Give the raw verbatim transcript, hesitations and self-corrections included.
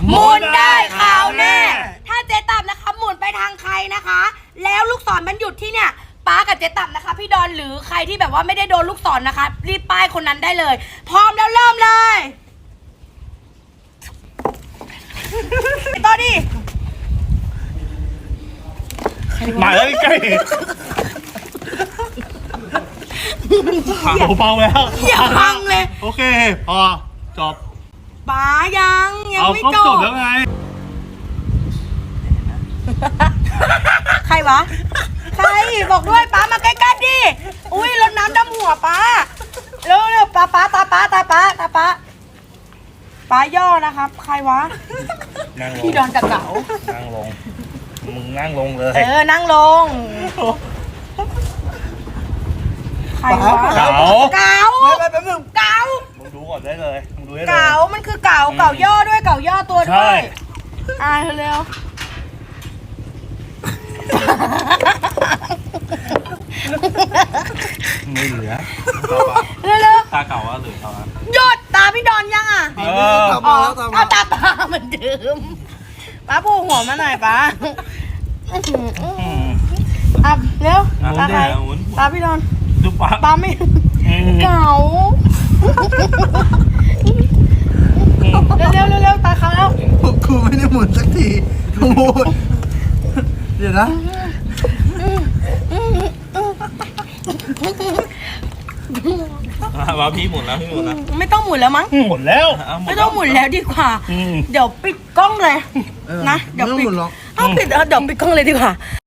หมุนได้ขาวแน่ถ้าเจ๊ตับนะคะหมุนไปทางใครนะคะ แล้วลูกศรมันหยุดที่เนี่ยป้ากับเจ๊ตับนะคะพี่ดอนหรือใครที่แบบว่าไม่ได้โดนลูกศรนะคะ รีบป้ายคนนั้นได้เลย พร้อมแล้วเริ่มเลยต่อดิมาแล้วใกล้เบาๆแล้วอย่าพังเลยโอเคพอจบป้ายังยังเอาไม่ก็จจบบแล้วไงใครวะใครบอกด้วยป้ามาใกล้ๆดิอุ้ยรดน้ำดำหัวป้าเร็วๆป้าป้าตาป้าตาป้าตาป้าป้าย่อนะครับ ใครวะนั่งลงพี่ดอนกับเก๋านั่งลงมึงนั่งลงเลยเออนั่งลงใครวะเก๋าเก๋าไปไปแป๊บนึงเก๋ามึงดูก่อนได้เลยมึงดูได้เลยเก๋ามันคือเก๋าเก๋าย่อด้วยเก๋าย่อตัวใช่ด้วยอ่าเร็วไม่เหลือเร็วเร็วตาเก่าว่าเหลือเท่านั้นหยดตาพี่ดอนยังอ่ะเออตามมาแล้วตามมาเอาตาป้าเหมือนเดิมป้าพูหัวมาหน่อยป้าอ่ะเร็วอ่ะตาใครหมุนตาพี่ดอนดูปากป้าไม่เก๋าเร็วเร็วเร็วเร็วตาเขาแล้วพวกกูไม่ได้หมุนสักทีโอ้โหเดี๋ยวนะมาพี่หมุนแล้วพี่หมุนแล้วไม่ต้องหมุนแล้วมั้งหมุนแล้วไม่ต้องหมุนแล้วดีกว่าอืมเดี๋ยวปิดกล้องเลยนะ เดี๋ยวไม่ต้องปิหดมุนหรอกเอาปิดเออเดี๋ยวปิดกล้องเลยดีกว่า